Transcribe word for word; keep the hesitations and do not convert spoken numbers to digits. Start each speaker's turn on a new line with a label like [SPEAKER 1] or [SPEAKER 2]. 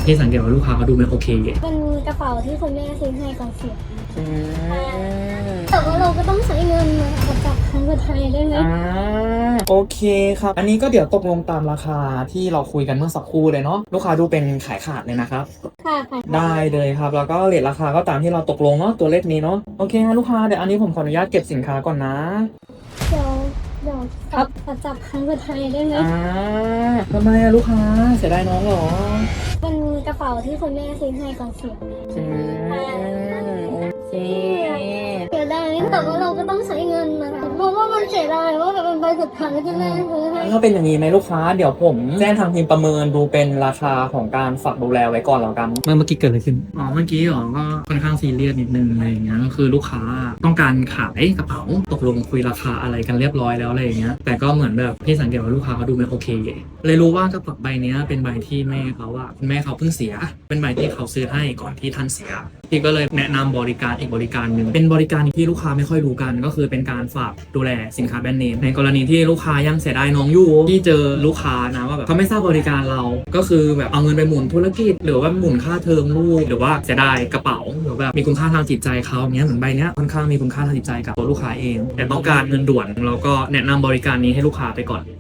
[SPEAKER 1] พี่สังเกตว่าลูกค้าเขาดูไม่โอเค
[SPEAKER 2] เป็นกระเป๋าที่คุณแม่ซื้อให้ก่อนเสีย
[SPEAKER 3] อืม
[SPEAKER 2] แต่ว่าเราก็ต้องใช้เงินมาจากทางไทยได้ไหม
[SPEAKER 3] อ่าโอเคครับอันนี้ก็เดี๋ยวตกลงตามราคาที่เราคุยกันเมื่อสักครู่เลยเนาะลูกค้าดูเป็นขายขาดเลยนะครับ
[SPEAKER 2] ค่ะค่ะ
[SPEAKER 3] ได้เลยครับแล้วก็เรทราคาก็ตามที่เราตกลงเนาะตัวเลขนี้เนาะโอเคฮะลูกค้าเดี๋ยวอันนี้ผมขออนุญาตเก็บสินค้าก่อนนะ
[SPEAKER 2] เดี๋ยวเดี๋ยวครับขอจับทางไทยได้ไหม
[SPEAKER 3] อ่าทำไมอะลูกค้าเสียดายน้องเหรอ
[SPEAKER 2] เป็นกระเป๋าที่คุณแม่ซื้อให้ก่อนเสีย
[SPEAKER 3] อืมโอเค
[SPEAKER 2] เสียดายแต่ว่าเราก็ต้องใช้เงินนะคะเพราะว่ามันเสียดายว่าแบบเป็นใบสุดท้ายที่แม่ซื้อให้
[SPEAKER 3] ถ้าเป็นอย่างนี้ไหมลูกค้าเดี๋ยวผมแจ้งทางทีมประเมินดูเป็นราคาของการฝากดูแลไว้ก่อนแล้วกัน
[SPEAKER 1] เมื่อเมื่อกี้เกิดอะไรขึ้นอ๋อเมื่อกี้หรอก็ค่อนข้างซีเรียสนิดนึงอะไรอย่างเงี้ยก็คือลูกค้าต้องการขายกระเป๋าตกลงคุยราคาอะไรกันเรียบร้อยแล้วอะไรอย่างเงี้ยแต่ก็เหมือนแบบพี่สังเกตว่าลูกค้าเขาดูไม่โอเคเลยรู้ว่ากระเป๋าใบนี้เป็นใบที่แม่เขาอะคุณแม่เขาเพิ่งเสียเป็นใบที่เขาซื้อให้ก่อนที่ท่านเสียพี่ก็เลยแนะนำบริการอีกบริการหนึ่งเป็นบริการที่ลูกค้าไม่ค่อยรู้กันก็คือเป็นการฝากดูแลสินค้าแบรนด์เนมในกรณีที่ลูกค้ายังเสียดายน้องอยู่ที่เจอลูกค้านะว่าแบบเขาไม่ทราบบริการเราก็คือแบบเอาเงินไปหมุนธุรกิจหรือว่าหมุนค่าเทอมลูกหรือว่าเสียดายกระเป๋าหรือแบบมีคุณค่าทางจิตใจเขาเนี้ยเหมือนใบเนี้ยค่อนข้างมีคุณค่าทางจิตใจกับตัวลูกค้าเองแต่ต้องการเงินด่วนเราก็แนะนำบริการนี้ให้ลูกค้าไปก่อน